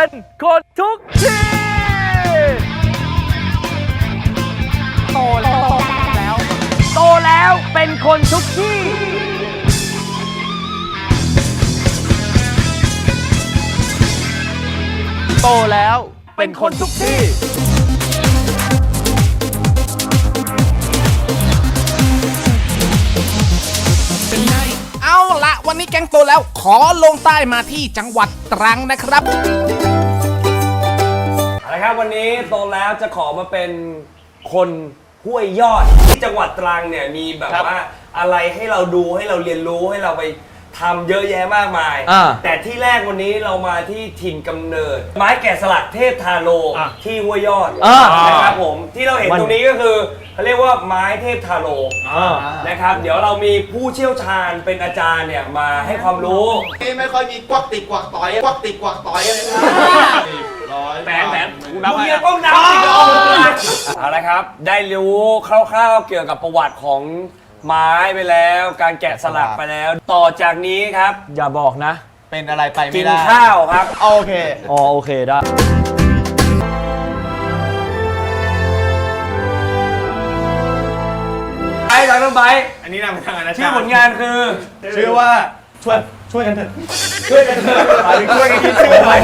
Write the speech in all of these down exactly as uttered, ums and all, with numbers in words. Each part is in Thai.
เป็นคนทุกที่โตแล้วโตแล้วเป็นคนทุกที่โตแล้วเป็นคนทุกที่เอาละวันนี้แก๊งโตแล้วขอลงใต้มาที่จังหวัดตรังนะครับเอาละครับวันนี้โตแล้วจะขอมาเป็นคนห้วยยอดที่จังหวัดตรังเนี่ยมีแบบว่าอะไรให้เราดูให้เราเรียนรู้ให้เราไปทำเยอะแยะมากมายแต่ที่แรกวันนี้เรามาที่ถิ่นกำเนิดไม้แกะสลักเทพทาโลที่ห้วยยอดนะครับผมที่เราเห็นตรงนี้ก็คือเขาเรียกว่าไม้เทพทาโลนะครับเดี๋ยวเรามีผู้เชี่ยวชาญเป็นอาจารย์เนี่ยมาให้ความรู้นี่ไม่ค่อยมีกวักติดกวักต่อยกวักติดกวักต่อยอะไรนะแผนแผนกูนับให้ต้องนับสิเอาละครับได้รู้คร่าวๆเกี่ยวกับประวัติของไม้ไปแล้วการแกะสลักไปแล้วต่อจากนี้ครับอย่าบอกนะเป็นอะไรไปไม่ได้กินข้าวครับโอเคอ๋อโอเคได้ไปทางน้องไบค์อันนี้นำทางอาจารย์ชื่อผลงานคือชื่อว่าช่วยช่วยกันเถอะช่วยกันเถอะช่วยกันคิดชื่อหน่อย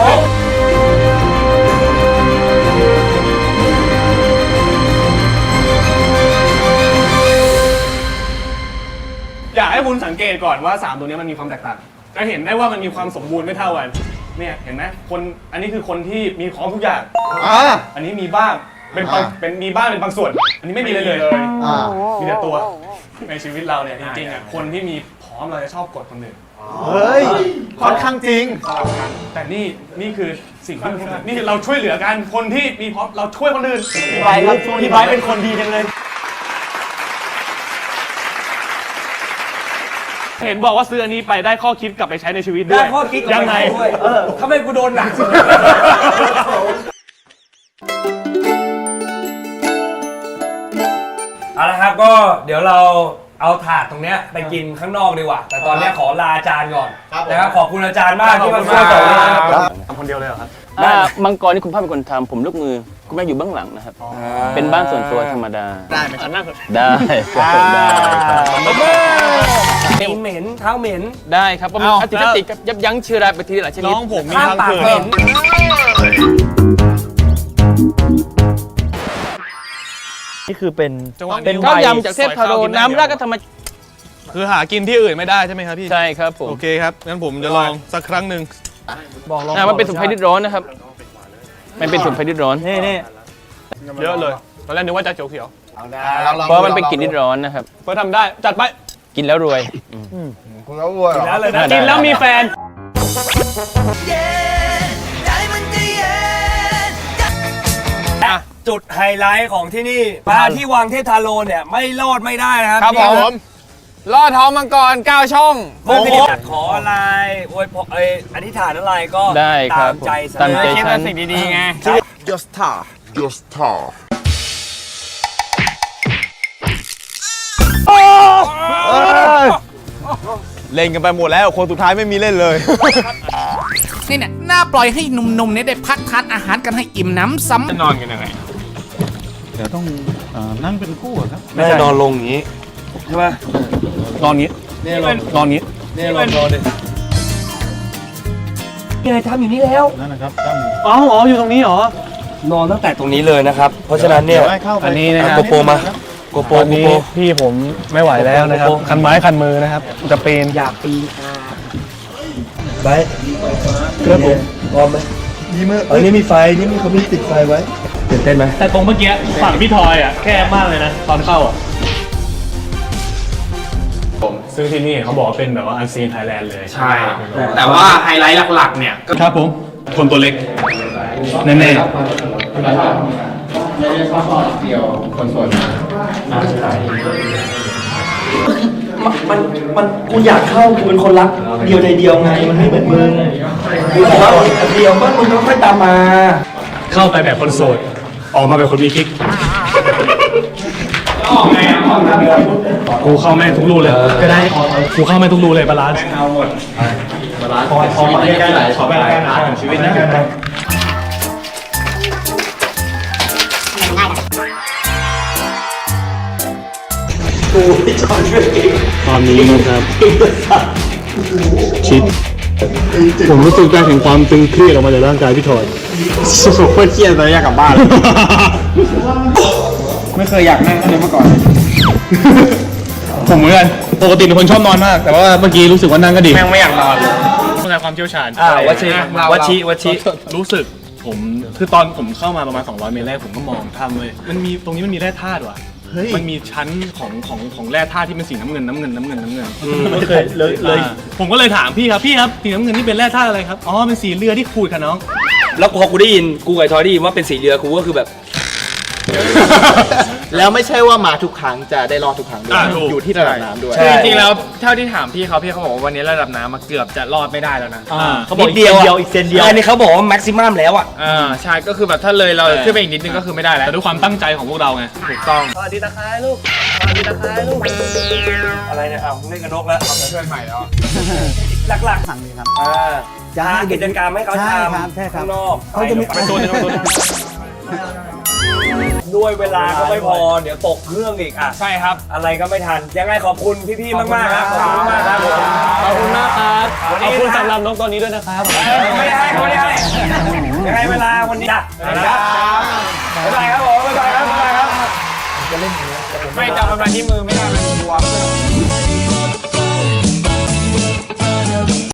อยากให้คุณสังเกตก่อนว่าสามตัวนี้มันมีความแตกต่างจะเห็นได้ว่ามันมีความสมบูรณ์ไม่เท่ากันเนี่ยเห็นไหมคนอันนี้คือคนที่มีของทุกอย่างอ่าอันนี้มีบ้างเป็นเป็นมีบ้างเป็นบางส่วนอันนี้ไม่มีเลยเลยมีแต่ตัวในชีวิตเราเนี่ยจริงๆอ่ะคนที่มีพร้อมเราจะชอบกดคนอื่นเฮ้ยค่อนข้างจริงแต่นี่นี่คือสิ่งที่นี่เราช่วยเหลือกันคนที่มีพร้อมเราช่วยคนอื่นพี่ไบค์ครับพี่ไบค์เป็นคนดีจังเลยเห็นบอกว่าซื้ออันนี้ไปได้ข้อคิดกลับไปใช้ในชีวิตด้วยได้ข้อคิดยังไงทำไมกูโดนหนักเอาละครับก็เดี๋ยวเราเอาถาดตรงเนี้ยไปกินข้างนอกดีกว่าแต่ตอนนี้ขอลาอาจารย์ก่อนนะครับขอบคุณอาจารย์มากที่มาช่วยสอนทำคนเดียวเลยเหรอครับมังกรนี่คุณพ่อเป็นคนทำผมลูกมือคุณแม่อยู่เบื้องหลังนะครับเป็นบ้านส่วนตัวธรรมดาได้ไหมครับนั่งได้ได้เหม็นเท้าเหม็นได้ครับเพราะมันอัติสติกับยับยั้งเชื้อราแบคทีเรียหลายชนิดน้องผมมีทางเกิดนี่คือเป็นเป็นข้าวยำจากเทพทาโร่น้ำราดก็ทำมาคือหากินที่อื่นไม่ได้ใช่ไหมครับพี่ใช่ครับผมโอเคครับงั้นผมจะลองสักครั้งหนึ่งบอกลองมันเป็นสมุนไพรดิบร้อนนะครับมันเป็นสมุนไพรดิบร้อนนี่นี่เยอะเลยตอนแรกนึกว่าจะเขียวเขียวเพราะมันเป็นกลิ่นดิบร้อนนะครับเพื่อทำได้จัดไปกินแล้วรวยคุณแล้วรวยเหรอกินแล้วมีแฟนจุดไฮไลท์ของที่นี่มาที่วังเทพทาโร่เนี่ยไม่รอดไม่ได้นะครับครับผมลอดท้องมังกรเก้าช่องโอ้โหขออะไรอวยพรอธิษฐานอะไรก็ตามใจตามใจฉันสิ่งดีๆไง just tar just tar เล่นกันไปหมดแล้วคนสุดท้ายไม่มีเล่นเลยนี่เนี่ยน่าปล่อยให้หนุ่มๆเนี่ยได้พักทานอาหารกันให้อิ่มน้ำซ้ำจะนอนกันยังไงเดี๋ยวต้องนั่งเป็นคู่ครับไม่นอนลงอย่างนี้ใช่ไหมนอนงี้เนี่ยนอนงี้เนี่ยลองนอนดินี่ไงทำอยู่นี่แล้วนั่นนะครับตั้งอ๋ออ๋ออยู่ตรงนี้เหรอนอนตั้งแต่ตรงนี้เลยนะครับเพราะฉะนั้นเนี่ยอันนี้นะครับโกโปรมาโกโปรโกโปรพี่ผมไม่ไหวแล้วนะครับคันไม้คันมือนะครับจะปีนอยากปีนไปเพื่อนผมพร้อมไหมยิ้มเออนี่มีไฟนี่มีเขามีติดไฟไว้ตื่นเต้นไหมแต่ตรงเมื่อกี้ฝั่งพี่ทอยอ่ะแคบมากเลยนะตอนเข้าอ่ะผมซึ่งที่นี่เขาบอกว่าเป็นแบบว่าอันซีนไทยแลนด์เลยใช่แต่ว่าไฮไลท์หลักๆเนี่ยครับผมคนตัวเล็กแน่ๆไม่ได้ชอบเดียวคนส่วนมันมันกูอยากเข้ากูเป็นคนรักเดียวใจเดียวไงมันไม่เหมือนมึงกูบอกว่าเดียวก็มึงก็ค่อยตามมาเข้าไปแบบคนโสดออกมาแบบคนมีกิ๊กกูเข้าแม่ทุกรูเลยก็ได้กูเข้าแม่ทุกรูเลยบาลานซ์เอาหมดบาลานซ์ขอขอมาใกล้ๆหน่อยขอไปใกล้ๆหน่อยชีวิตนะกูไม่จอดช่วยเองตอนนี้นะครับชิดผมรู้สึกได้ถึงความตึงเครียดออกมาจากร่างกายพี่ทอยสุดโคตรเครียดเลยอยากกลับบ้านไม่เคยอยากนั่งเลยเมื่อก่อนผมเหมือนกันปกติเป็นคนชอบนอนมาก แต่ว่าเมื่อกี้รู้สึกว่านั่งก็ดีแม่งไม่อยากนอนเลยต้องการความเชี่ยวชาญอ่าวัชิวัชิวัชิรู้สึกผมคือตอนผมเข้ามาประมาณสองร้อยเมตรแรกผมก็มองทำเลยมันมีตรงนี้มันมีแร่ธาตุว่ะมันมีชั้นของของของแร่ธาตุที่เป็นสีน้ำเงินน้ำเงินน้ำเงินน้ำเงินไม่เคยเลยเลยผมก็เลยถามพี่ครับพี่ครับสีน้ำเงินนี่เป็นแร่ธาตุอะไรครับอ๋อเป็นสีเรือที่ขูดค่ะน้องแล้วพอกูได้ยินกูกับทอยได้ยินว่าเป็นสีเรือกูก็คือแบบแล้วไม่ใช่ว่ามาทุกครั้งจะได้รอดทุกครั้งด้วยอยู่ที่ระดับน้ำด้วยคือจริงๆแล้วเท่าที่ถามพี่เขาพี่เขาบอกว่าวันนี้ระดับน้ำมาเกือบจะรอดไม่ได้แล้วนะเขาบอกนิดเดียวอีกเซนเดียวอันนี้เขาบอกว่าแม็กซิมัมแล้วอ่ะอ่าใช่ก็คือแบบถ้าเลยเราขึ้นไปอีกนิดนึงก็คือไม่ได้แล้วแต่ด้วยความตั้งใจของพวกเราไงถูกต้องสวัสดีตะไคร้ลูกสวัสดีตะไคร้ลูกอะไรเนี่ยอ้าวเล่นกับนกแล้วเอาเพื่อนใหม่แล้วหลักๆสั่งเลยครับอ่าจะหากิจกรรมให้เขาทำข้างนอกเขาจะมีไปโซนนึงไปโซนนึงด้วยเวลาก็ไม่พอเดี๋ยวตกเครื่องอีกอ่ะใช่ครับอะไรก็ไม่ทันยังไงขอบคุณพี่ๆมากๆครับขอบคุณมากครับขอบคุณมากครับวันขอบนี้คุณสำหรับนกตัวนี้ด้วยนะครับไม่ได้ให้เขาไม่ได้ให้ยังไงเวลาวันนี้จ้ะบ๊ายบายครับผมบ๊ายบายครับบ๊ายบายครับไม่จับมันมาที่มือไม่